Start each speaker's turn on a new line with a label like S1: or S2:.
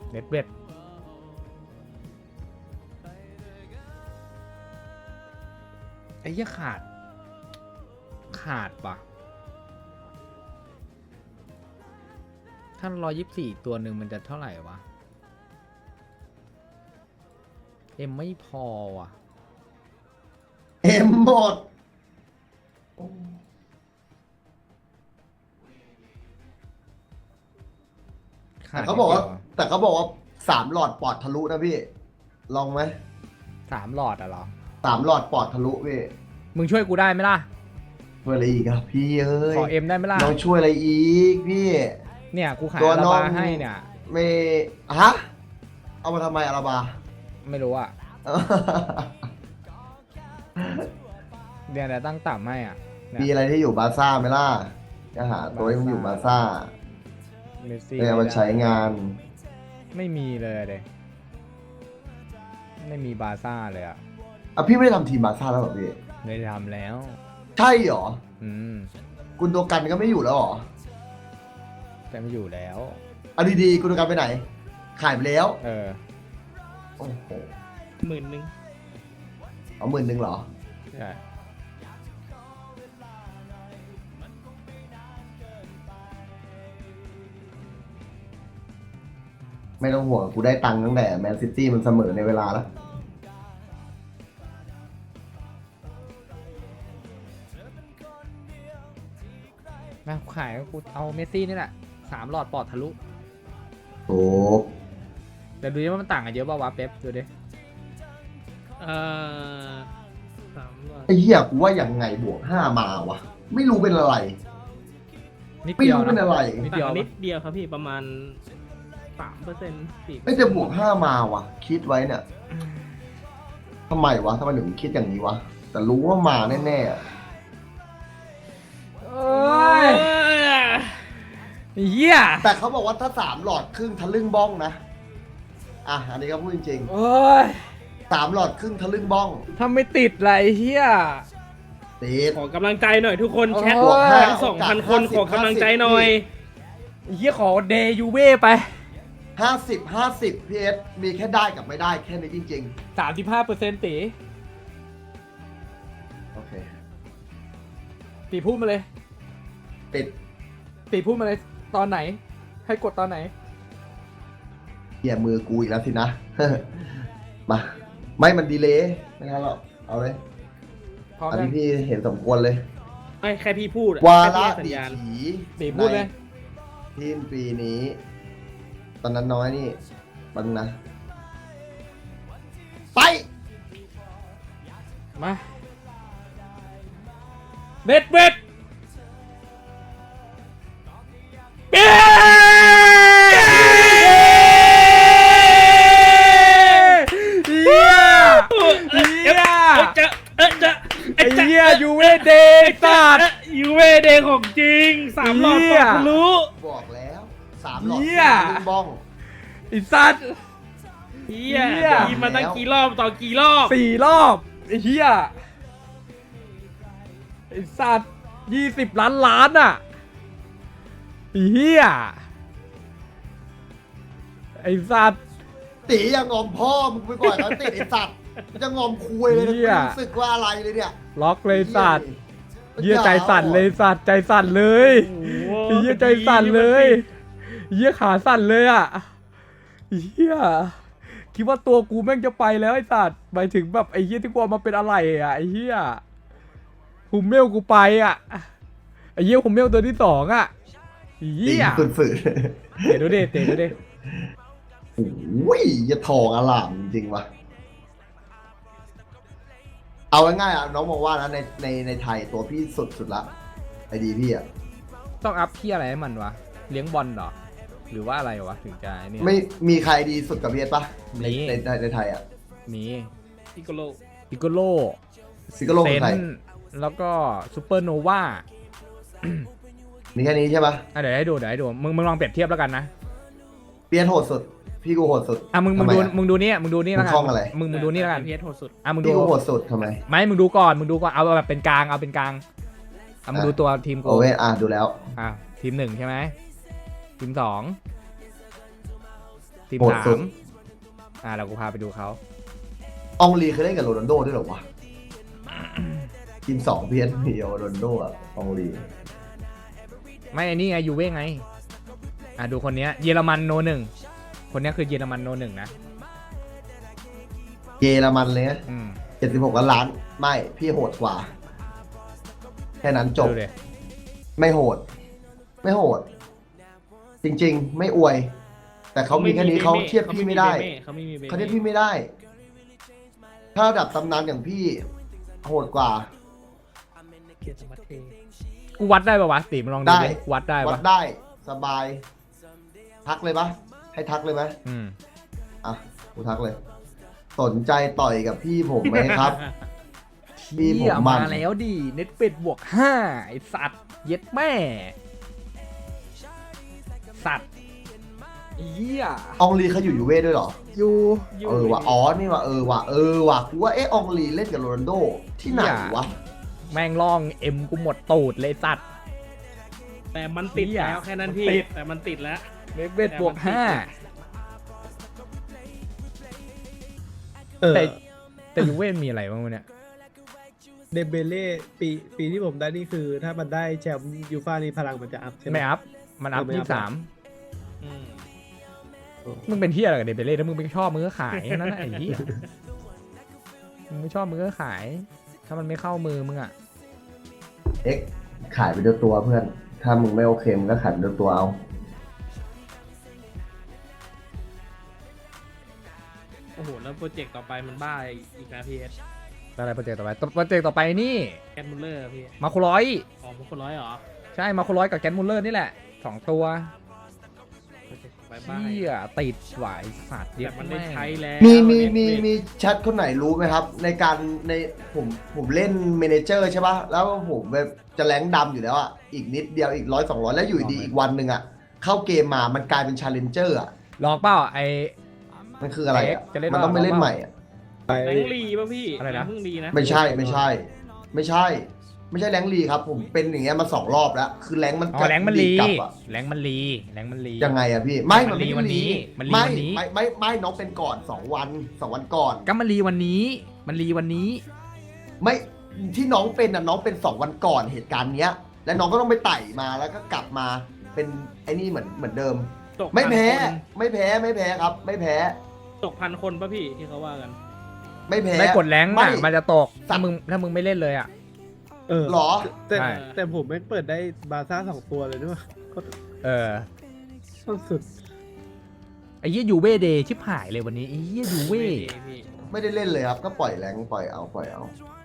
S1: เน็ตเบ็ดไอ้เหี้ยขาดปะถ้า124ตัวหนึ่งมันจะเท่าไหร่วะเอ็มไม่พอว่ะ
S2: เอ็มหมดแต่เขาบอกว่า3 หลอดปอดทะลุนะพี่ลองไหม
S1: 3 หลอดอะเหรอ
S2: 3 หลอดปอดทะลุพี่
S1: มึงช่วยกูได้ไหมล่ะ
S2: ช่วยอะไรอีกครับพี่เอ้ย
S1: ขอเอ็มได้ไหมล่ะ
S2: น้องช่วยอะไรอีกพี่
S1: เนี่ยกูขาย
S2: ตัว
S1: อารา
S2: น้อง
S1: บาให้เนี่ย
S2: ไม่ฮะเอามาทำไมอาราบา
S1: ไม่รู้อะเดี๋ยวตั้งต่ำให้อ่ะเนี่
S2: มี
S1: ย
S2: อะไรที่อยู่บาร์ซ่าไหมล่ะจะหาตัวที่มันอยู่บาร์ซ่า
S1: เมสซี่
S2: เนี่ยมันใช้งาน
S1: ไม่มีเลยเด็ไม่มีบาร์ซ่าเลยอ่ะ
S2: อ่ะพี่ไม่ได้ทำทีมบาร์ซ่าแล้วเหรอพี่
S1: ไม่ได้ทำแล้ว
S2: ใช่เหรอ
S1: อืม
S2: กุนโดกันก็ไม่อยู่แล้วเหรอ
S1: แต่ไม่อยู่แล้ว
S2: เอาดีๆกุนโดกันไปไหน ขายไปแล้ว
S1: เออ
S2: โอ้โห
S3: 10,000
S2: เอา10,000เหรอ
S1: ใช่
S2: ไม่ต้องห่วงกูได้ตังค์ตั้งแต่แมนซิตี้มันเสมอในเวลาแล้ว
S1: นะขายกูเอาเมสซี่นี่แหละ3 หลอดปอดทะลุ
S2: โอ้
S1: แต่ดูดิว่ามันต่างกันเยอะป่าวะเป๊ปดูดิ
S3: 3 หลอด
S2: ไอ้เหี้ยกูว่าอย่างไงบวก5 มาวะ ไม่รู้เป็นอะไร
S1: นิด
S2: ไม่
S1: เดียว
S2: รู้เป็น
S1: นะ
S2: อะไร
S1: นิด
S3: ต่า
S1: เดียว
S3: งนิ
S1: ปะ
S3: ดเดียวครับพี่ประมาณ 3% 4%
S2: ไม่จะบวก5 มาวะ คิดไว้เนี่ยทำไมวะทำไมถึงคิดอย่างนี้วะ แต่รู้ว่ามาแน่ๆอะ
S1: เอ้ยเหี้ย
S2: แต่เขาบอกว่าถ้า3 หลอดครึ่งทะลึ่งบ้องนะ อ่ะ อันนี้ก็พูดจริง
S1: โอ้ย
S2: ๆ3 หลอดครึ่งทะลึ่งบ้อง
S1: ถ้าไม่ติดไรเหี้ย
S2: ติด
S3: ขอกำลังใจหน่อยทุกคน
S1: โอ้ย
S3: แชท
S2: บวกห้า
S3: ทั้ง 2,000 คนขอกำลังใจหน่อย
S1: เหี้ยขอเดยูเว่ไป
S2: 50 พีเอสมีแค่ได้กับไม่ได้แค่นี้จริง
S1: 35%ตี
S2: ๆ โอเค
S1: ตีพูดมาเลย
S2: ติด
S1: ตีพูดมาเลยตอนไหน ให้กดตอนไหน
S2: เหี้ยมือกูอีกแล้วสินะ มา ไม่มันดีเลยไม่งั้นหรอกเอาเลย
S1: พร้อม
S2: อัน
S1: ยั
S2: นี้
S1: ง
S2: พี่เห็นสมควรเลย
S3: ไม่แค่พี่พูดอะ
S2: วา
S3: แค่
S2: ระ
S3: พี่ให้สัญ
S2: ดี
S3: ญาณ
S2: ถี
S1: ตีพูดเลย
S2: ในทีมปีนี้ ตอนนั้นน้อยนี่ปังนะ ไป
S1: มาเบ็ดเบ็ดเย้เหี้ยเหี้ย ไอ้เหี้ยยูเวเดสัตว์
S3: ยูเวเดย์ของจริง 3 หลอด
S1: เหี้
S3: ปอย ดทะลุ
S2: บอกแล้ว3 หลอด
S1: เหี้ย
S2: ลุงบ้อง
S1: ไอ้สัตว์
S3: เฮีย
S1: เหี้ย
S3: ดีมาตั้งกี่รอบต่อกี่รอบ
S1: 4 รอบไอ้เหี้ยไอ้สัตว์20 ล้านอ่ะไอ้เหี้ยไอ้สัตว์
S2: ตีอย่างงอมพ่อมึงไปก่อนแล้วติดไอ้สัตว์จะงอมคุยเลยนะ
S1: เหี้ย
S2: ไม่รู้สึกว่าอะไรเลยเนี่ย
S1: ล็อกเลยสัตว์
S2: เหี้
S1: เหี้ยใจสั่นเลยสัตว์ใจสั่นเลย
S3: โอ้โห
S1: ไอ้เหี้ยใจสั่นเลยเหี้ยขาสั่นเลยอ่ะเหี้ยคิดว่าตัวกูแม่งจะไปแล้วไอ้สัตว์หมายถึงแบบไอ้เหี้ยที่กูเอามาเป็นอะไรอ่ะไอ้เหี้ยหุมเมลกูไปอ่ะไอ้เหี้ยหุมเมลตัวที่2อ่ะไอ้
S2: ตี
S1: เหี้ย
S2: ฝืน
S1: เตะดูดิเตะดูดิ
S2: ๆโอ้ยอย่าทองอลามจริงๆวะเอาง่ายๆอ่ะน้องมองว่านะในไทยตัวพี่สุดละไอดีพี่อ่ะ
S1: ต้องอัพที่อะไรให้มันวะเลี้ยงบอลเหรอหรือว่าอะไรวะถึงจะไอ้เนี่ย
S2: ไม่มีใครดีสุดกับพี่เอสปะใน
S1: มี
S2: ในไทยอ่ะ
S1: มี
S3: พิโกโล
S1: ปิโกโล
S2: ซิกโล
S1: เซ
S2: คน ไทย
S1: แล้วก็ซูเปอร์โนวา
S2: มีแค่นี้ใช่ปะ
S1: เดี๋ยวให้ดูมึงลองเปรียบเทียบแล้วกันนะ
S2: เปียนโหดสุด พี่กูโหดสุด
S1: อ่ะมึง
S2: ทำไม
S1: ดู
S2: อะ
S1: มึงดูนี่มึงดูนี่แล้วกัน
S2: มึงคล่องอะไร
S1: มึงดูนี่แล้วกัน
S3: พีเอสโหดสุด
S1: อ่ะมึงดู
S2: พี่กูโหดสุดทำไม
S1: ไม่มึงดูก่อนเอาแบบเป็นกลางเอาเป็นกลางอ่ะมึงดูตัวทีมกู
S2: โอเว่ดูแล้ว
S1: อ่ะทีม1ใช่ไหมทีม2 ทีม
S2: โหดสุด
S1: 3เรากูพาไปดูเขา
S2: อองลีเคยเล่นกับโรนัลโดด้วยเหรอวะ ทีม2เพี้ยนมีโรนัลโดอะอองลี
S1: ไม่อันนี้ไงยูเว่ไงดูคนเนี้ยเยอรมันโนหนึ่งคนเนี้ยคือเยอรมันโนหนึ่งนะ
S2: เยอรมันเลยนะ
S1: อืม
S2: 76 ล้าน ไม่พี่โหดกว่า แค่นั้นจบ
S1: ดูดิ
S2: ไม่โหด ไม่โหด จริงๆ ไม่อวย แต่เขามีแค่นี้เขาเทียบพี่ไม่ได้
S3: เขาไม่มีเบเม่
S2: เขาเทียบพี่ไม่ได้ ถ้าระดับตำนานอย่างพี่ โหดกว่า
S3: เกียรติสมัติเท
S1: กูวัดได้ปะวะตีมึงลองดู
S2: ได้
S1: ดิวัดได้
S2: วั
S1: ปะ
S2: ดได้สบาย ทักเลยปะให้ทักเลยไหม
S1: อืม
S2: อ่ะกูทักเลย สนใจต่อยกับพี่ผมไหมครับ พี่ผมมัน
S1: มาแล้วดิเน็ตเป็ดบวก5ไอสัตว์เย็ดแม่ สัตว์เหี้ย
S2: อองลีเขาอยู่ยูเว่ด้วยเหรอ
S1: อยู่
S2: เออว่ะอ๋อนี่ว่ะเออว่ะกูว่าอองลีเล่นกับโรนัลโดที่ไหนวะ
S1: แม่งล่องเอ็มกูหมดตูดเลยสัตว์
S3: แต่มันติด
S1: เหี้ย
S3: แล้วแค่นั้นพี่
S1: ติด
S3: แต่มันติดแล้ว
S1: เน็ตเป็ดบวก5 แต่ยูเว่มีอะไรบ้างวะเนี่ย
S4: เดมเบเล่ปีที่ผมได้นี่คือ ถ้ามันได้แชมป์ยูฟ่านี่พลังมันจะอัพใช่ไหม
S1: ไม่อัพ มันอัพ
S4: ไม่อัพ
S1: 23
S3: อืม
S1: มึงเป็นที่อะไรกับเดเบเล่ถ้ามึงไม่ชอบมึงก็ขายนั่นแหละไอ้เหี้ยมึงไม่ชอบมึงก็ขาย ถ้ามันไม่เข้ามือมึงอ่ะ
S2: เอ็กขายไปด้วยตัวเพื่อน ถ้ามึงไม่โอเคมึงก็ขายไปด้วยตัวเอา
S3: โอ้โหแล้วโปรเจกต์ต่อไปมันบ้าอีกนะพี่เอส
S1: อะไรโปรเจกต์ต่อไปโปรเจกต์ต่อไปนี่
S3: แกนมุลเลอร์พี่
S1: มาคุร้อย
S3: อ๋อมุคนร้อยเหรอ
S1: ใช่มาคุร้อยกับแกนมูลเลอร์นี่แหละ2 ตัว
S3: โปรเจกต์บายบาย
S1: เหี้ยติดหวายสัตว์เดีย
S3: แต่มันได้ใช้แล้ว
S2: มี
S3: Netflix
S2: แชทคนไหนรู้ไหมครับ ในการในผมเล่นเมเนเจอร์ใช่ปะแล้วผมแบบจะแรงค์ดำอยู่แล้วอ่ะ อีกนิดเดียวอีก100-200 แล้วอยู่ดีอีกวันหนึ่งอ่ะ เข้าเกมมามันกลายเป็นชาเลนเจอร์อ่ะ
S1: ลองเปล่าไอ
S2: มันคืออะไรอ่ะ
S1: จะเล่น
S2: มันต้องไปเล่นใหม่อ่ะ
S4: ไป
S3: แรงลีป่ะพี่
S1: อะไรนะ
S3: แงเพิ่งลีนะ
S2: ไม่ใช่แรงค์ลีครับ ผมเป็นอย่างเงี้ยมา2 รอบแล้ว คือแรงค์มัน
S1: อ๋อแรงมันลี
S2: กลับอ่ะ
S1: แรงมันลีแรงมันลี
S2: ยังไงอะพี่ไม่มันไม่
S1: มันลีวันนี้มันลี
S2: ไม่
S1: วันนี้
S2: ไม่น้องเป็นก่อน2 วันก่อน
S1: ก็มันลีวันนี้ มันลีวันนี้
S2: ไม่ที่น้องเป็นน่ะน้องเป็น2 วันก่อนเหตุการณ์เนี้ย แล้วน้องก็ต้องไปไต่มาแล้วก็กลับมาเป็นไอ้นี่เหมือนเดิม
S3: ตก
S2: ไม่แพ้
S3: 1,000คน
S2: ไม่แพ้ครับ ไม่แพ้
S3: ตก1,000 คนป่ะพี่ที่เขาว่ากัน
S2: ไม่แพ้
S1: ไม่กดแรง
S2: ไม่
S1: อ่ะมันจะตก
S2: สั
S1: ถ้า
S2: ตว์
S1: มึงไม่เล่นเลยอ่ะ
S4: เออ
S2: หรอ
S4: แต่
S1: ใช่
S4: แต่ผมไม่เปิดได้บาร์ซ่า2 ตัวเลยด้วย
S1: เออ
S4: สุด
S1: ไอ้เหี้ยยูเว่เดย์ชิบหายเลยวันนี้ไอ้เหี้ยยูเว่
S3: พี่
S2: ไม่ได้เล่นเลยครับ ก็ปล่อยแรงปล่อยเอา